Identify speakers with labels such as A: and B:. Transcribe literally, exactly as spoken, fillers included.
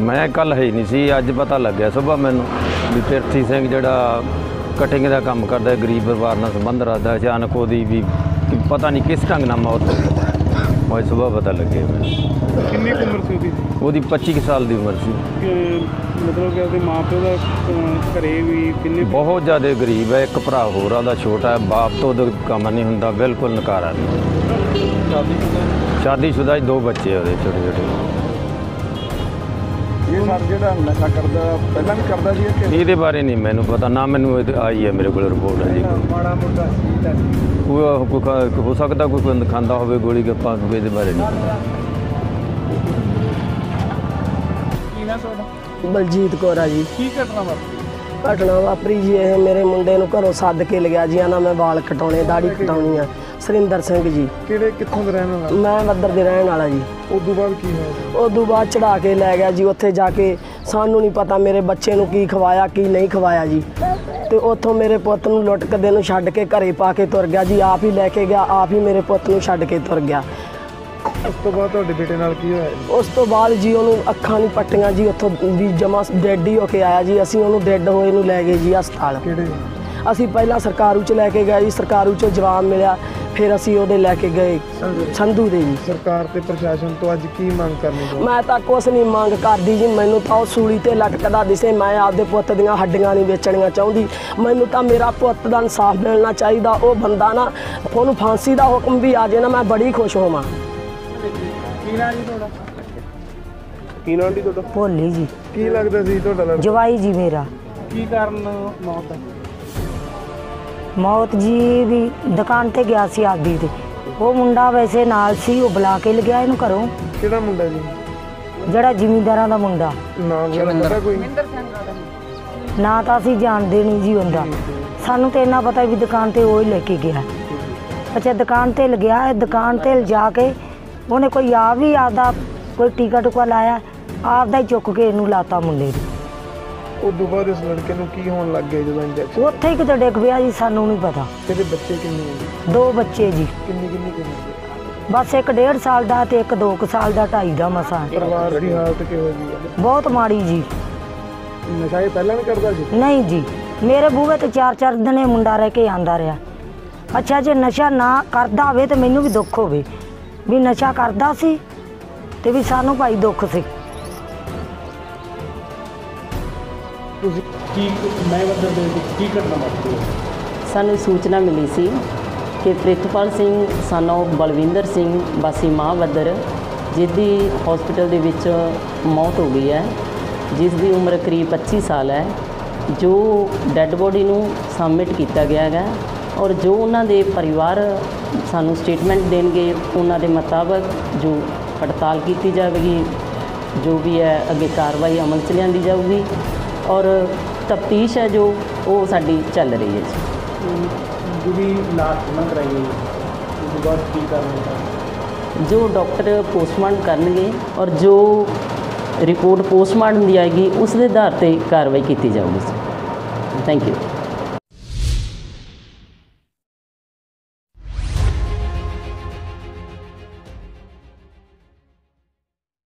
A: मैं कल है नहीं सी, अज पता लग गया सुबह मैनू भी पिरथी सिंह जिहड़ा कटिंग का काम करता है, गरीब परिवार नाल संबंध रखता है, अचानक वो भी पता नहीं किस ढंग नाल मौत हो गई। सुबह पता लगे मैं।
B: कितनी उम्र सी उसदी?
A: ਉਹਦੀ पच्ची साल की उम्र सी।
B: मतलब कि माँ प्यो का घरे भी किन्ने?
A: बहुत ज़्यादा गरीब है, एक भरा होर ਉਹਦਾ छोटा है, बाप तो ਉਹਦਾ ਕੰਮ नहीं ਹੁੰਦਾ, बिल्कुल नकारा नहीं। शादीशुदा दो बच्चे ਉਹਦੇ छोटे छोटे।
B: ये सर ਜਿਹੜਾ ਨਸ਼ਾ ਕਰਦਾ ਪਹਿਲਾਂ ਵੀ ਕਰਦਾ ਸੀ ਕਿ
A: ਇਹਦੇ ਬਾਰੇ ਨਹੀਂ ਮੈਨੂੰ ਪਤਾ, ਨਾ ਮੈਨੂੰ ਆਈ ਹੈ ਮੇਰੇ ਕੋਲ ਰਿਪੋਰਟ ਹੈ ਜੀ।
B: ਮਾੜਾ ਮੋਟਾ
A: ਕੋਈ ਕੋਈ ਹੋ ਸਕਦਾ ਕੋਈ ਬੰਦ ਖਾਂਦਾ ਹੋਵੇ ਗੋਲੀ ਗੱਪਾਂ, ਇਹਦੇ ਬਾਰੇ ਨਹੀਂ ਪਤਾ।
B: ਕੀ ਨਾ ਤੁਹਾਡਾ?
C: बलजीत कौर है जी।
B: की घटना वापरी?
C: घटना वापरी जी ये मेरे मुंडे नूं घरों सद के लिया जी, आना मैं वाल कटाने दाढ़ी कटाउणी है। सुरिंदर सिंह जी।
B: ਕਿਹੜੇ ਕਿੱਥੋਂ ਦਾ ਰਹਿਣ ਵਾਲਾ?
C: मैं वद्दर दे रहण वाला जी।
B: ਉਦੋਂ ਬਾਅਦ ਕੀ ਹੋਇਆ?
C: उदों बाद चढ़ा के लै गया जी, उत्थे जाके सानू नहीं पता मेरे बच्चे नूं की खवाया की नहीं खवाया जी। तो उतों मेरे पुत नूं लुट के नूं छड्ड के घरे पा के तुर गया जी, आप ही लैके गया, आप ही मेरे पुत नूं छड्ड के तुर गया।
B: ਉਸ ਤੋਂ ਬਾਅਦ ਤੁਹਾਡੇ ਬੇਟੇ ਨਾਲ ਕੀ ਹੋਇਆ?
C: उस तो बाद जी ਉਹਨੂੰ ਅੱਖਾਂ ਨਹੀਂ ਪੱਟੀਆਂ ਜੀ, ਉੱਥੋਂ ਵੀ ਜਮਾ ਡੈਡ ਹੀ ਹੋ ਕੇ ਆਇਆ ਜੀ। ਅਸੀਂ ਉਹਨੂੰ ਡੈਡ ਹੋਏ ਨੂੰ ਲੈ ਗਏ ਜੀ ਹਸਪਤਾਲ।
B: ਕਿਹੜੇ?
C: ਅਸੀਂ ਪਹਿਲਾਂ ਸਰਕਾਰੂ ਚ ਲੈ ਕੇ ਗਏ ਜੀ, ਸਰਕਾਰੂ ਚੋਂ ਜਵਾਬ ਮਿਲਿਆ, ਫਿਰ ਅਸੀਂ ਉਹਦੇ ਲੈ ਕੇ ਗਏ ਸੰਧੂ ਦੇ ਜੀ।
B: ਸਰਕਾਰ ਤੇ ਪ੍ਰਸ਼ਾਸਨ ਤੋਂ ਅੱਜ ਕੀ ਮੰਗ ਕਰਨੀ ਚਾਹੁੰਦੇ?
C: ਮੈਂ ਤਾਂ ਕੁਛ ਨਹੀਂ ਮੰਗ ਕਰਦੀ ਜੀ, ਮੈਨੂੰ ਤਾਂ ਉਹ ਸੂਲੀ ਤੇ ਲਟਕਦਾ ਦਿਸੇ। ਮੈਂ ਆਪਦੇ ਪੁੱਤ ਦੀਆਂ ਹੱਡੀਆਂ ਨਹੀਂ ਵੇਚਣੀਆਂ ਚਾਹੁੰਦੀ, ਮੈਨੂੰ ਤਾਂ ਮੇਰਾ ਪੁੱਤ ਦਾ ਇਨਸਾਫ ਮਿਲਣਾ ਚਾਹੀਦਾ। ਉਹ ਬੰਦਾ ਨਾ, ਉਹਨੂੰ ਫਾਂਸੀ ਦਾ ਹੁਕਮ ਵੀ ਆ ਜੇ ਨਾ, ਮੈਂ ਬੜੀ ਖੁਸ਼ ਹੋਵਾਂ।
B: ਕੀ ਨਾਂ ਜੀ ਤੁਹਾਡਾ? ਕੀ ਨਾਂ ਜੀ ਤੁਹਾਡਾ?
D: ਭੋਲੀ ਜੀ।
B: ਕੀ ਲੱਗਦਾ ਸੀ ਤੁਹਾਡਾ ਲੜਕਾ?
D: ਜਵਾਈ ਜੀ ਮੇਰਾ।
B: ਕੀ ਕਾਰਨ ਮੌਤ ਦਾ?
D: ਮੌਤ ਜੀ ਵੀ ਦੁਕਾਨ ਤੇ ਗਿਆ ਸੀ ਆਪਦੀ ਤੇ, ਉਹ ਮੁੰਡਾ ਵੈਸੇ ਨਾਲ ਸੀ, ਉਹ ਬੁਲਾ ਕੇ ਲਗਿਆ ਇਹਨੂੰ ਘਰੋਂ।
B: ਕਿਹੜਾ ਮੁੰਡਾ ਜੀ?
D: ਜਿਹੜਾ ਜ਼ਿਮੀਂਦਾਰਾਂ ਦਾ ਮੁੰਡਾ।
B: ਨਾਮ ਪਤਾ ਕੋਈ?
D: ਨਾ ਤਾਂ ਅਸੀਂ ਜਾਣਦੇ ਨਹੀਂ ਜੀ ਹੁੰਦਾ, ਸਾਨੂੰ ਤੇ ਇੰਨਾ ਪਤਾ ਵੀ ਦੁਕਾਨ ਤੇ ਉਹ ਹੀ ਲੈ ਕੇ ਗਿਆ। ਅੱਛਾ ਦੁਕਾਨ ਤੇ ਲਗਿਆ, ਦੁਕਾਨ ਤੇ ਲਿਜਾ ਕੇ ਉਹਨੇ ਕੋਈ ਆ ਵੀ ਆਪਦਾ ਕੋਈ ਟੀਕਾ ਟੁਕਾ ਲਾਇਆ, ਆਪਦਾ ਹੀ ਚੁੱਕ ਕੇ ਇਹਨੂੰ ਲਾਤਾ ਮੁੰਡੇ ਨੂੰ।
B: ਉਦੋਂ ਬਾਅਦ ਇਸ ਲੜਕੇ ਨੂੰ ਕੀ ਹੋਣ ਲੱਗ ਗਿਆ ਜਦੋਂ ਇੰਜੈਕਸ਼ਨ?
D: ਉੱਥੇ ਹੀ ਕਿਤੇ ਡਿੱਗ ਪਿਆ ਜੀ, ਸਾਨੂੰ ਨਹੀਂ ਪਤਾ।
B: ਤੇਰੇ ਬੱਚੇ ਕਿੰਨੇ ਹੈ?
D: ਦੋ ਬੱਚੇ ਜੀ।
B: ਕਿੰਨੀ ਕਿੰਨੀ ਕਿੰਨੀ?
D: ਬਸ ਇੱਕ ਡੇਢ ਸਾਲ ਦਾ ਤੇ ਇੱਕ ਦੋ ਕੁ ਸਾਲ ਦਾ, ਢਾਈ ਦਾ ਮਸਾਂ।
B: ਪਰਿਵਾਰ ਦੀ ਹਾਲਤ ਕਿਹੋ ਜਿਹੀ ਹੈ?
D: ਬਹੁਤ ਮਾੜੀ ਜੀ।
B: ਨਸ਼ਾ ਇਹ ਪਹਿਲਾਂ ਵੀ ਕਰਦਾ ਸੀ?
D: ਨਹੀਂ ਜੀ, ਮੇਰੇ ਬੂਹੇ ਤੇ ਚਾਰ ਚਾਰ ਦਿਨੇ ਮੁੰਡਾ ਰਹਿ ਕੇ ਆਂਦਾ ਰਿਹਾ। ਅੱਛਾ ਜੇ ਨਸ਼ਾ ਨਾ ਕਰਦਾ ਹੋਵੇ ਤੇ ਮੈਨੂੰ ਵੀ ਦੁੱਖ ਹੋਵੇ, ਵੀ ਨਸ਼ਾ ਕਰਦਾ ਸੀ ਤੇ ਵੀ ਸਾਨੂੰ ਭਾਈ ਦੁੱਖ ਸੀ।
B: ਤੁਸੀਂ ਕੀ ਮੈਂ ਵਦਰ ਦੇ ਕੀ ਘਟਨਾ ਵਾਪਰੀ?
E: ਸਾਨੂੰ ਸੂਚਨਾ ਮਿਲੀ ਸੀ ਕਿ ਪ੍ਰਿਤਪਾਲ ਸਿੰਘ ਸਾਨੂੰ ਬਲਵਿੰਦਰ ਸਿੰਘ ਵਾਸੀ ਮਾਹਵੱਦਰ, ਜਿਹਦੀ ਹਸਪੀਟਲ ਦੇ ਵਿੱਚ ਮੌਤ ਹੋ ਗਈ ਹੈ, ਜਿਸ ਦੀ ਉਮਰ ਕਰੀਬ ਪੱਚੀ ਸਾਲ ਹੈ, ਜੋ ਡੈੱਡ ਬੋਡੀ ਨੂੰ ਸਬਮਿਟ ਕੀਤਾ ਗਿਆ ਹੈਗਾ। ਔਰ ਜੋ ਉਹਨਾਂ ਦੇ ਪਰਿਵਾਰ ਸਾਨੂੰ ਸਟੇਟਮੈਂਟ ਦੇਣਗੇ, ਉਹਨਾਂ ਦੇ ਮੁਤਾਬਕ ਜੋ ਪੜਤਾਲ ਕੀਤੀ ਜਾਵੇਗੀ, ਜੋ ਵੀ ਹੈ ਅੱਗੇ ਕਾਰਵਾਈ ਅਮਲ 'ਚ ਲਿਆਂਦੀ ਜਾਊਗੀ। ਔਰ ਤਫਤੀਸ਼ ਹੈ ਜੋ ਉਹ ਸਾਡੀ ਚੱਲ ਰਹੀ ਹੈ ਜੀ।
B: ਜਿਹੜੀ ਲਾਸ਼ ਨਾ ਕਰਾਈ ਗਈ ਉਸ ਤੋਂ ਬਾਅਦ ਕੀ ਕਰਨਾ?
E: ਜੋ ਡਾਕਟਰ ਪੋਸਟਮਾਰਟਮ ਕਰਨਗੇ ਔਰ ਜੋ ਰਿਪੋਰਟ ਪੋਸਟਮਾਰਟਮ ਦੀ ਆਏਗੀ, ਉਸ ਦੇ ਆਧਾਰ 'ਤੇ ਕਾਰਵਾਈ ਕੀਤੀ ਜਾਊਗੀ। Thank you.